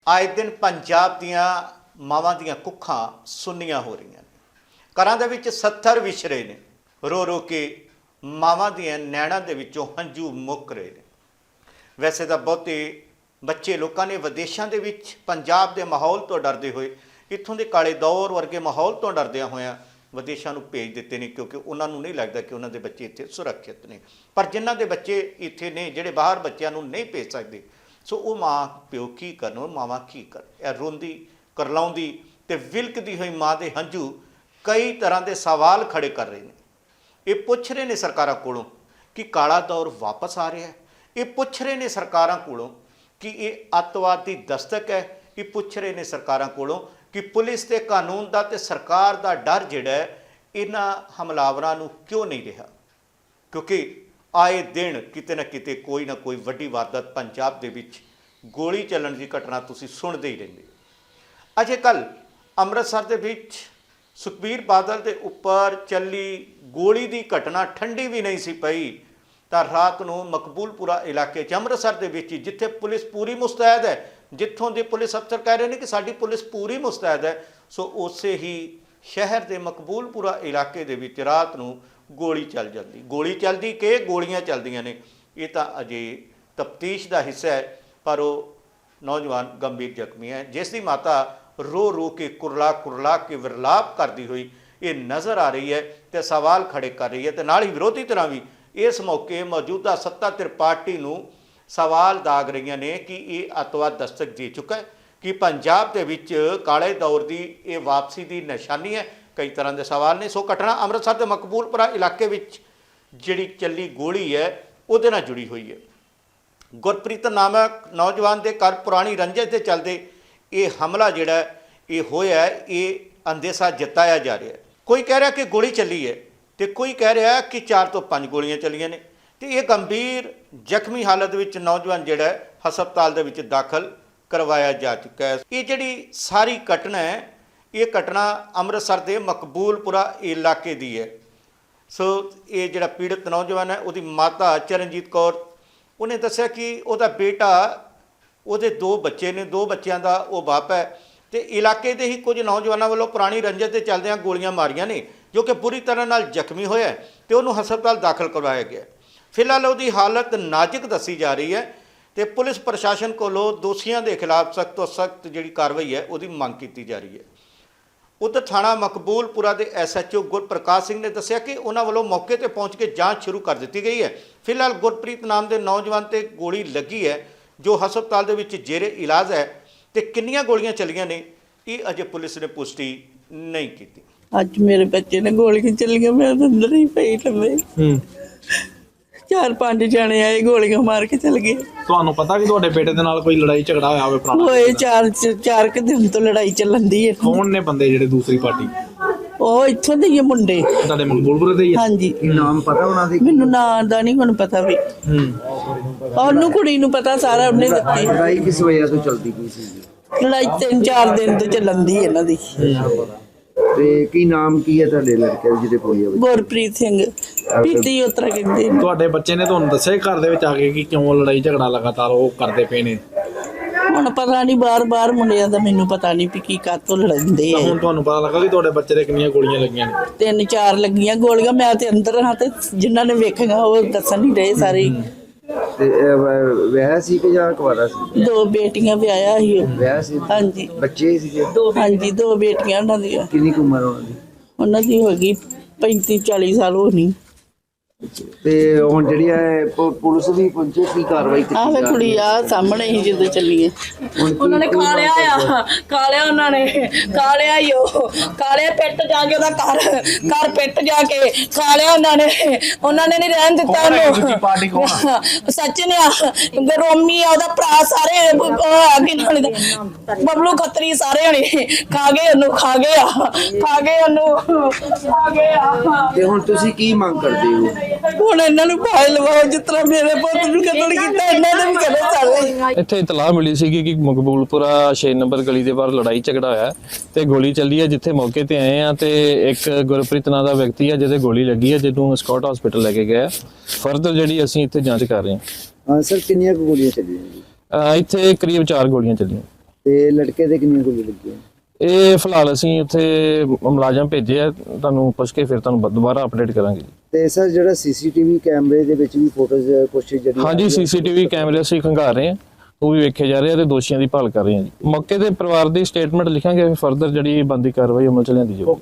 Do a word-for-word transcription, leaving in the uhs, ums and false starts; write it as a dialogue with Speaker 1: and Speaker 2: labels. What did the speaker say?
Speaker 1: आए दिन पंजाब दियां मावां दियां कुखां सुन्नियां हो रही ने। घरां दे विच सत्तर विछरे ने, रो रो के मावां दियां नैणां दे विचों हंझू मुक रहे ने। वैसे तो बहुते बच्चे लोगों ने विदेशों के विच पंजाब के माहौल तो डरते हुए इत्थों के काले दौर वर्गे माहौल तो डरद्या होया विदेशों को भेज दिते हैं, क्योंकि उन्होंने नहीं लगता कि उन्होंने बच्चे इत्थे सुरक्षित ने। पर जिन्हों के बच्चे इत्थे ने जिहड़े बाहर बच्चों को नहीं भेज सकते, सो वो माँ प्यो की करन, मावां की कर रोंदी करलाउंदी ते विलकदी हुई माँ के हंझू कई तरह के सवाल खड़े कर रहे हैं। ये पुछ रहे हैं सरकारों कोलों कि काला दौर वापस आ रहा है। ये पुछ रहे हैं सरकारों कोलों कि ये अतवाद की दस्तक है। ये पुछ रहे हैं सरकारों कोलों कि पुलिस ते कानून का ते सरकार का डर जिहड़ा है इन्हां हमलावरां नूं क्यों नहीं रहा, क्योंकि आए दिन किते ना किते कोई ना कोई वड्डी वारदात पंजाब दे विच गोली चलन की घटना तुसीं सुणदे ही रहिंदे। अजे कल अमृतसर दे विच सुखबीर बादल के उपर चली गोली की घटना ठंडी भी नहीं सी पई तां रात नूं मकबूलपुरा इलाके च अमृतसर दे विच जिथे पुलिस पूरी मुस्तैद है, जिथों के पुलिस अफसर कह रहे हैं कि साडी पुलिस पूरी मुस्तैद है, सो उस ही शहर के मकबूलपुरा इलाके दे विच रात नूं गोली चल जाती। गोली चलती कि गोलियां चलदियां ने, ये तो अजे तफ्तीश का हिस्सा है। पर वो नौजवान गंभीर जख्मी है, जिसकी माता रो रो के कुरला कुरला के विरलाप करती हुई ये नज़र आ रही है तो सवाल खड़े कर रही है। तो नाल ही विरोधी तरह भी इस मौके मौजूदा सत्ताधर पार्टी नूं सवाल दाग रही ने कि ये अतवाद दस्तक दे चुका है, कि पंजाब के विच काले दौर की ये वापसी की निशानी है। कई तरह के सवाल ने। सो घटना अमृतसर के मकबूलपुरा इलाके विच जिहड़ी चली गोली है उहदे नाल जुड़ी हुई है। गुरप्रीत नामक नौजवान के घर पुरानी रंजिश के चलते ये हमला जिहड़ा ये होया है, ये अंदेशा जताया जा रहा है। कोई कह रहा कि गोली चली है तो कोई कह रहा कि चार तो पाँच गोलियां चलियां ने। तो ये गंभीर जख्मी हालत विच नौजवान जिहड़ा हस्पताल दे विच दाखिल करवाया जा चुका है। ये जिहड़ी सारी घटना है ये घटना अमृतसर के मकबूलपुरा इलाके की है। सो ये जिहड़ा पीड़ित नौजवान है उसकी माता चरणजीत कौर उन्हें दस्सिया कि उसका बेटा उसदे दो बच्चे ने, दो बच्चों का वो बाप है। तो इलाके के ही कुछ नौजवानों वालों पुरानी रंजिश के चलदे गोलियां मारियां ने, जो कि बुरी तरह नाल जख्मी होया तो उन्होंने हस्पताल दाखिल करवाया गया। फिलहाल उसकी हालत नाजुक दसी जा रही है तो पुलिस प्रशासन को दोषियों के खिलाफ सख्त तो सख्त जी कार्रवाई है उसकी मांग की जा रही है। उधर थाना मकबूलपुरा के S H O Gurparkash Singh ने दस्सिया कि उन्होंने वालों मौके पर पहुँच के जाँच शुरू कर दी गई है। फिलहाल गुरप्रीत नाम के नौजवान से गोली लगी है जो हस्पताल के विच जेरे इलाज है। तो किन्नियां गोलियां चलियां ने ये अजे पुलिस ने पुष्टि नहीं की।
Speaker 2: अज मेरे बच्चे ने गोलियां चलियां, मैं अंदर ही पई लम्मे। चार पांच जने आए गोलियां मार के चल गए।
Speaker 3: ਤੁਹਾਨੂੰ ਪਤਾ ਕਿ ਤੁਹਾਡੇ ਬੇਟੇ ਦੇ ਨਾਲ ਕੋਈ ਲੜਾਈ ਝਗੜਾ ਹੋਇਆ ਹੋਵੇ ਪੁਰਾਣਾ?
Speaker 2: ਹੋਏ ਚਾਰ ਚਾਰ ਕੁ ਦਿਨ ਤੋਂ ਲੜਾਈ ਚੱਲਣ ਦੀ ਹੈ।
Speaker 3: ਕੌਣ ਨੇ ਬੰਦੇ ਜਿਹੜੇ ਦੂਸਰੀ ਪਾਰਟੀ?
Speaker 2: ਉਹ ਇੱਥੋਂ ਦੇ ਹੀ ਆ ਮੁੰਡੇ,
Speaker 3: ਤੁਹਾਡੇ ਮਕਬੂਲਪੁਰੇ ਦੇ ਹੀ?
Speaker 2: ਹਾਂਜੀ।
Speaker 3: ਨਾਮ ਪਤਾ ਉਹਨਾਂ ਦੇ?
Speaker 2: ਮੈਨੂੰ ਨਾਂ ਦਾ ਨਹੀਂ ਹੁਣ ਪਤਾ ਵੀ।
Speaker 3: ਹੂੰ,
Speaker 2: ਉਹਨੂੰ ਕੁੜੀ ਨੂੰ ਪਤਾ ਸਾਰਾ, ਉਹਨੇ ਦਿੱਤੀ।
Speaker 4: ਲੜਾਈ ਕਿਸ ਵਜ੍ਹਾ ਤੋਂ ਚੱਲਦੀ ਪਈ ਸੀ?
Speaker 2: ਲੜਾਈ ਤਿੰਨ ਚਾਰ ਦਿਨ ਤੋਂ ਚੱਲਣ ਦੀ ਇਹਨਾਂ ਦੀ।
Speaker 4: ਤੇ ਕੀ ਨਾਮ ਕੀ ਹੈ ਤੁਹਾਡੇ ਲੜਕੇ ਦਾ ਜਿਹਦੇ ਗੋਲੀ ਵੱਜੀ?
Speaker 2: ਗੁਰਪ੍ਰੀਤ ਸਿੰਘ ਪੀਤੀ ਉਤਰਾ ਕਹਿੰਦੇ ਨੇ।
Speaker 3: ਤੁਹਾਡੇ ਬੱਚੇ ਨੇ ਤੁਹਾਨੂੰ ਦੱਸਿਆ ਘਰ ਦੇ ਵਿੱਚ ਆ ਕੇ ਕਿ ਕਿਉਂ ਲੜਾਈ ਝਗੜਾ ਲਗਾਤਾਰ ਉਹ ਕਰਦੇ ਪਏ ਨੇ?
Speaker 2: ਹੁਣ ਪਤਾ ਨਹੀਂ, ਬਾਰ ਬਾਰ ਮੁੰਡਿਆਂ ਦਾ ਮੈਨੂੰ ਪਤਾ ਨਹੀਂ ਵੀ ਕੀ ਕਾਤੋਂ ਲੜਦੇ ਆ।
Speaker 3: ਹੁਣ ਤੁਹਾਨੂੰ ਪਤਾ ਲੱਗਾ ਕਿ ਤੁਹਾਡੇ ਬੱਚੇ ਦੇ ਕਿੰਨੀਆਂ ਗੋਲੀਆਂ ਲੱਗੀਆਂ ਨੇ?
Speaker 2: ਤਿੰਨ ਚਾਰ ਲੱਗੀਆਂ ਗੋਲੀਆਂ। ਮੈਂ ਤੇ ਅੰਦਰ ਹਾਂ ਤੇ ਜਿਨ੍ਹਾਂ ਨੇ ਵੇਖੀਆਂ ਉਹ ਦੱਸਣ ਨਹੀਂ ਰਹੇ ਸਾਰੇ।
Speaker 4: ਤੇ ਵਿਆਹ ਸੀ ਕਿ ਜਾਂ ਕੁਆਰਾ ਸੀ?
Speaker 2: ਦੋ ਬੇਟੀਆਂ ਵਿਆਹਿਆ ਸੀ ਉਹ।
Speaker 4: ਵਿਆਹ ਸੀ?
Speaker 2: ਹਾਂਜੀ।
Speaker 4: ਬੱਚੇ ਸੀਗੇ?
Speaker 2: ਹਾਂਜੀ, ਦੋ ਬੇਟੀਆਂ ਉਹਨਾਂ ਦੀਆਂ।
Speaker 4: ਕਿੰਨੀ ਕੁ ਉਮਰ ਉਹਨਾਂ ਦੀ?
Speaker 2: ਉਹਨਾਂ ਦੀ ਹੋ ਗਈ ਪੈਂਤੀ ਚਾਲੀ ਸਾਲ ਹੋਣੀ।
Speaker 4: ਤੇ ਹੁਣ ਜਿਹੜੀ ਹੈ ਪ- ਪੁਲਿਸ ਵੀ ਪਹੁੰਚੇ, ਕੀ ਕਾਰਵਾਈ ਕੀਤੀ
Speaker 2: ਆਹ ਵੇ
Speaker 4: ਜਾ
Speaker 2: ਕੁੜੀ
Speaker 4: ਰਹੀ ਹੈ?
Speaker 2: ਆ ਸਾਹਮਣੇ ਹੀ ਜਦੋਂ ਚੱਲੀਏ।
Speaker 4: ਹੁਣ ਕੀ-
Speaker 5: ਉਹਨਾਂ ਨੇ
Speaker 4: ਕੀ
Speaker 5: ਖਾ
Speaker 4: ਮੰਗ
Speaker 5: ਲਿਆ
Speaker 4: ਕਰਦੇ ਹੋ?
Speaker 5: ਆ, ਖਾ ਲਿਆ ਉਹਨਾਂ ਨੇ, ਖਾ ਲਿਆ ਈ ਉਹ, ਖਾ ਲਿਆ ਪਿੱਟ ਜਾ ਕੇ ਉਹਦਾ ਘਰ ਘਰ ਪਿੱਟ ਜਾ ਕੇ ਖਾ ਲਿਆ ਉਹਨਾਂ ਨੇ। ਉਹਨਾਂ ਨੇ ਨਹੀਂ ਰਹਿਣ ਦਿੱਤਾ
Speaker 3: ਕੌਣ ਹੈ ਦੂਜੀ
Speaker 5: ਉਹਨੂੰ।
Speaker 3: ਪਾਰਟੀ ਕੌਣ ਆ?
Speaker 5: ਸਚਿਨ ਆ, ਰੋਮੀ ਆ, ਉਹਦਾ ਭਰਾ, ਸਾਰੇ ਅੱਗੇ ਨਾਲ ਬਬਲੂ ਖੱਤਰੀ ਸਾਰੇ ਹਣੇ ਖਾ ਗਏ ਉਹਨੂੰ, ਖਾ ਗਏ ਆ, ਖਾ ਗਏ ਉਹਨੂੰ, ਖਾ ਗਏ ਆ।
Speaker 4: ਤੇ ਹੁਣ ਤੁਸੀਂ ਕੀ ਮੰਗ ਕਰਦੇ ਹੋ?
Speaker 2: ਹੁਣ ਇਹਨਾਂ ਨੂੰ ਭਾਈ ਲਵਾਓ, ਜਿਸ ਤਰ੍ਹਾਂ ਮੇਰੇ ਪੁੱਤ ਨੂੰ ਕਤਲ ਕੀਤਾ ਇਹਨਾਂ ਨੇ ਵੀ ਕਰੇ ਚੱਲੇ।
Speaker 6: ਇੱਥੇ ਇਤਲਾਹ ਮਿਲੀ ਸੀ ਕਿ ਮਕਬੂਲਪੁਰਾ ਛੇ ਨੰਬਰ ਗਲੀ ਦੇ ਬਾਹਰ ਲੜਾਈ ਝਗੜਾ ਹੋਇਆ ਤੇ ਗੋਲੀ ਚੱਲੀ ਹੈ। ਜਿੱਥੇ ਮੌਕੇ ਤੇ ਆਏ ਆ ਤੇ ਇੱਕ ਗੁਰਪ੍ਰੀਤ ਨਾਂ ਦਾ ਵਿਅਕਤੀ ਹੈ ਜਿਹਦੇ ਗੋਲੀ ਲੱਗੀ ਹੈ, ਜਿਹਨੂੰ ਸਕਾਟ ਹਸਪੀਟਲ ਲੈ ਕੇ ਗਏ। ਫਰਦਰ ਜਿਹੜੀ ਅਸੀਂ ਇੱਥੇ ਜਾਂਚ ਕਰ ਰਹੇ ਹਾਂ।
Speaker 4: ਹਾਂ ਸਰ, ਕਿੰਨੀਆਂ ਕੁ ਗੋਲੀਆਂ ਚੱਲੀਆਂ ਜੀ?
Speaker 6: ਇੱਥੇ ਕਰੀਬ ਚਾਰ ਗੋਲੀਆਂ ਚੱਲੀਆਂ।
Speaker 4: ਤੇ ਲੜਕੇ ਦੇ ਕਿੰਨੀਆਂ ਗੋਲੀ ਲੱਗੀਆਂ?
Speaker 6: ਇਹ ਫਿਲਹਾਲ ਅਸੀਂ ਉੱਥੇ ਮੁਲਾਜ਼ਮ ਭੇਜੇ ਆ, ਤੁਹਾਨੂੰ ਪੁੱਛ ਕੇ ਫਿਰ ਤੁਹਾਨੂੰ ਬ- ਦੁਬਾਰਾ ਅਪਡੇਟ ਕਰਾਂਗੇ।
Speaker 4: ਤੇ ਸਰ ਜਿਹੜਾ ਸੀਸੀਟੀਵੀ ਕੈਮਰੇ ਦੇ ਵਿੱਚ ਵੀ ਫੋਟੋਜ਼ ਕੁਛ ਜਿਹੜੀ
Speaker 6: ਹਾਂਜੀ, ਸੀਸੀਟੀਵੀ ਕੈਮਰੇ ਅਸੀਂ ਖੰਗਾਰ ਰਹੇ ਹਾਂ, ਉਹ ਵੀ ਵੇਖੇ ਜਾ ਰਹੇ ਆ ਤੇ ਦੋਸ਼ੀਆਂ ਦੀ ਭਾਲ ਕਰ ਰਹੇ ਹਾਂ ਜੀ। ਮੌਕੇ ਤੇ ਪਰਿਵਾਰ ਦੀ ਸਟੇਟਮੈਂਟ ਲਿਖਾਂਗੇ, ਫਰਦਰ ਜਿਹੜੀ ਬਣਦੀ ਕਾਰਵਾਈ ਅਮਲ ਚ ਲਿਆਂਦੀ ਜਾਊਗੀ।